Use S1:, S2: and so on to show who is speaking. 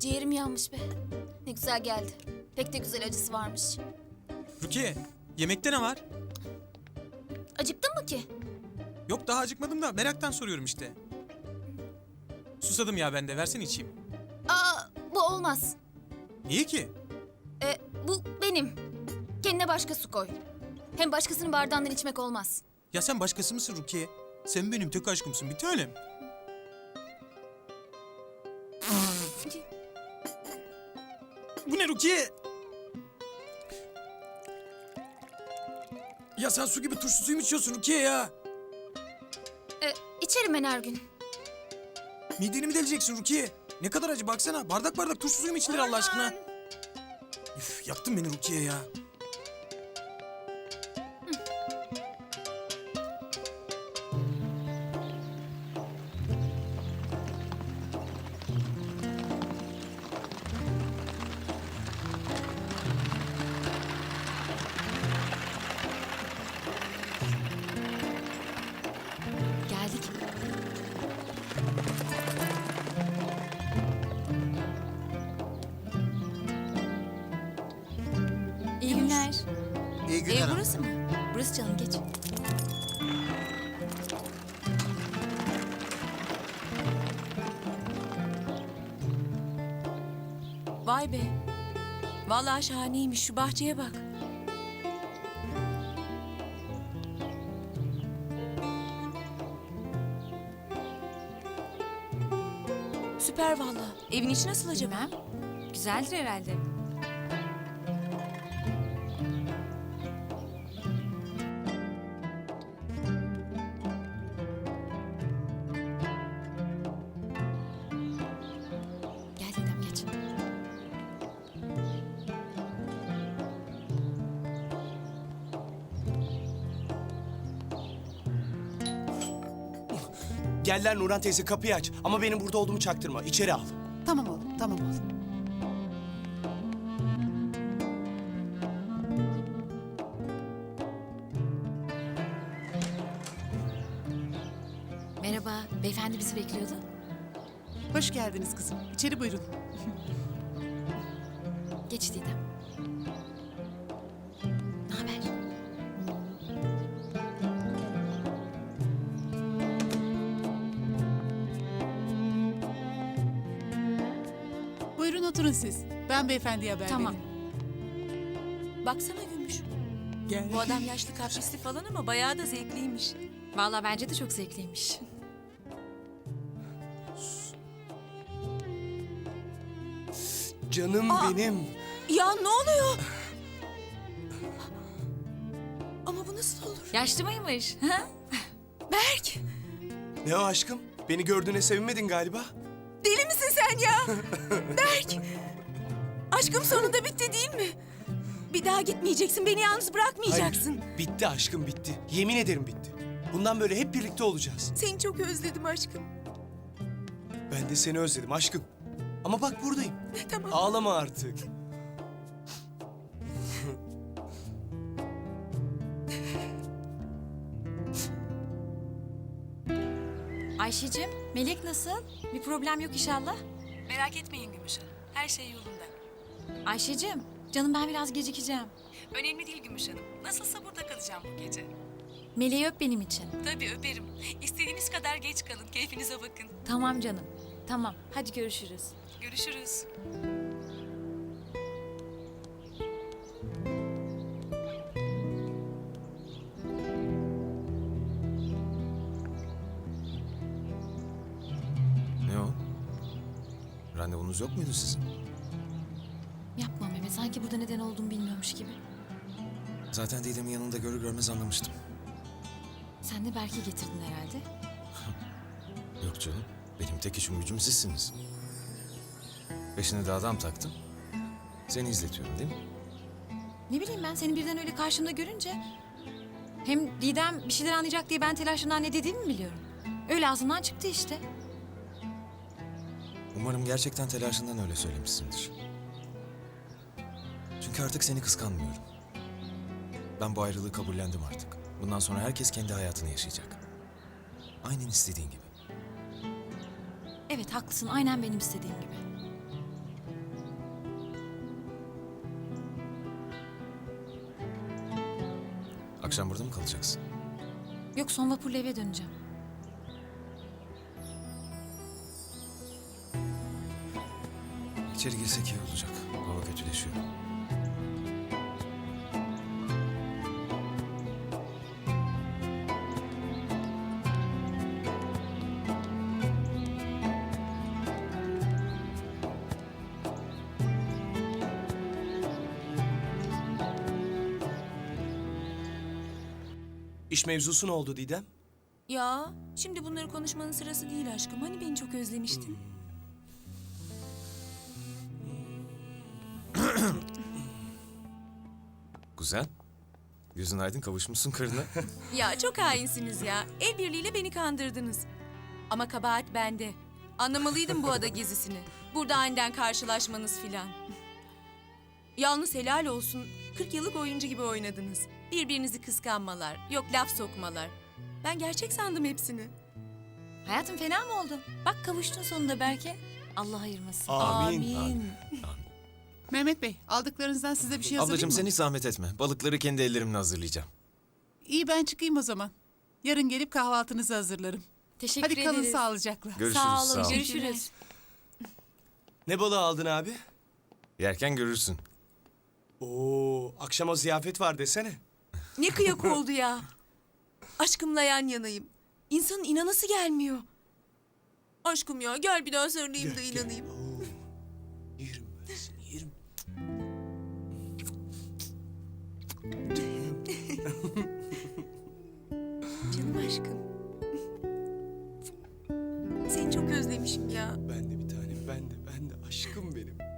S1: Ciğerim yanmış be. Ne güzel geldi. Pek de güzel acısı varmış.
S2: Rukiye, yemekte ne var?
S1: Acıktın mı ki?
S2: Yok daha acıkmadım da meraktan soruyorum işte. Susadım ya ben de, versene içeyim.
S1: Aa, bu olmaz.
S2: Niye ki?
S1: Bu benim. Kendine başka su koy. Hem başkasının bardağından içmek olmaz.
S2: Ya sen başkası mısın Rukiye? Sen benim tek aşkımsın bir tanem. Bu ne Rukiye? Ya sen su gibi turşu suyu mu içiyorsun Rukiye ya?
S1: İçerim ben her gün.
S2: Mideni mi deleceksin Rukiye? Ne kadar acı baksana. Bardak bardak turşu suyu mu içilir Allah aşkına? Üf, yaktın beni Rukiye ya.
S1: Geldik. İyi günler.
S3: İyi günler.
S1: Ev burası mı? Burası canım, geç.
S4: Vay be. Vallahi şahaneymiş, şu bahçeye bak. Süper vallahi. Evin içi nasıl acaba?
S1: Bilmem. Güzeldir herhalde. Gel Didem, geç.
S3: Gel Nurhan teyze, kapıyı aç. Ama benim burada olduğumu çaktırma. İçeri al.
S5: Tamam oğlum, tamam oğlum.
S1: Merhaba, beyefendi bizi bekliyordu.
S5: Hoş geldiniz kızım. İçeri buyurun.
S1: Geç Didem. Ne haber?
S5: Buyurun oturun siz. Ben beyefendiye haber
S1: Tamam.
S5: vereyim.
S4: Baksana Gümüş.
S5: Gel.
S4: Bu adam yaşlı kaprisli falan ama bayağı da zevkliymiş.
S1: Vallahi bence de çok zevkliymiş.
S3: Canım benim.
S4: Ya ne oluyor? Ama bu nasıl olur?
S1: Yaşlı mıymış? Ha?
S4: Berk!
S3: Ne o aşkım? Beni gördüğüne sevinmedin galiba.
S4: Deli misin sen ya? Berk! Aşkım sonunda bitti değil mi? Bir daha gitmeyeceksin, beni yalnız bırakmayacaksın.
S3: Hayır, bitti aşkım, bitti. Yemin ederim bitti. Bundan böyle hep birlikte olacağız.
S4: Seni çok özledim aşkım.
S3: Ben de seni özledim aşkım. Ama bak buradayım.
S4: Tamam.
S3: Ağlama artık.
S1: Ayşe'cim, Melek nasıl? Bir problem yok inşallah.
S4: Merak etmeyin Gümüş Hanım. Her şey yolunda.
S1: Ayşe'cim, canım ben biraz gecikeceğim.
S4: Önemli değil Gümüş Hanım. Nasılsa burada kalacağım bu gece.
S1: Meleği öp benim için.
S4: Tabii öperim. İstediğiniz kadar geç kalın. Keyfinize bakın.
S1: Tamam canım. Tamam, hadi görüşürüz.
S4: Görüşürüz.
S6: Ne o? Randevunuz yok muydu sizin?
S1: Yapma Mehmet, sanki burada neden olduğumu bilmiyormuş gibi.
S6: Zaten Didem'in yanında görür görmez anlamıştım.
S1: Sen de Berk'i getirdin herhalde.
S6: Yok canım, benim tek işim gücüm sizsiniz. Peşine de adam taktım. Seni izletiyorum değil mi?
S1: Ne bileyim ben, seni birden öyle karşımda görünce... Hem Didem bir şeyler anlayacak diye ben telaşından ne dediğimi biliyorum. Öyle ağzımdan çıktı işte.
S6: Umarım gerçekten telaşından öyle söylemişsindir. Çünkü artık seni kıskanmıyorum. Ben bu ayrılığı kabullendim artık. Bundan sonra herkes kendi hayatını yaşayacak. Aynen istediğin gibi.
S1: Evet haklısın, aynen benim istediğim gibi.
S6: Akşam burada mı kalacaksın?
S1: Yok, son vapurla eve döneceğim.
S6: İçeri girsek iyi olacak. Hava kötüleşiyor.
S3: İş mevzusu ne oldu Didem?
S4: Ya şimdi bunları konuşmanın sırası değil aşkım. Hani beni çok özlemiştin.
S6: Kuzen, gözün aydın, kavuşmuşsun karına.
S4: Ya çok hainsiniz ya. El birliğiyle beni kandırdınız. Ama kabahat bende. Anlamalıydım bu ada gezisini. Burada aniden karşılaşmanız filan. Yalnız helal olsun. 40 yıllık oyuncu gibi oynadınız. Birbirinizi kıskanmalar, yok laf sokmalar. Ben gerçek sandım hepsini.
S1: Hayatım, fena mı oldu? Bak kavuştun sonunda belki. Allah ayırmasın.
S3: Amin.
S5: Mehmet Bey, aldıklarınızdan size bir şey hazırlayayım
S6: Ablacığım
S5: mı?
S6: sen hiç zahmet etme. Balıkları kendi ellerimle hazırlayacağım.
S5: İyi, ben çıkayım o zaman. Yarın gelip kahvaltınızı hazırlarım.
S1: Teşekkür
S5: Hadi kalın
S1: ederiz.
S5: sağlıcakla.
S6: Görüşürüz.
S1: Sağ olun,
S6: ol.
S1: görüşürüz.
S3: Ne balığı aldın abi?
S6: Yerken görürsün.
S3: Oo, akşama ziyafet var desene.
S4: Ne kıyak oldu ya. Aşkımla yan yanayım. İnsanın inanası gelmiyor. Aşkım ya gel bir daha sarılayım da inanayım.
S3: Oo, yerim ben seni, yerim.
S4: Canım aşkım. Seni çok özlemişim ya.
S3: Ben de bir tanem, ben de aşkım benim.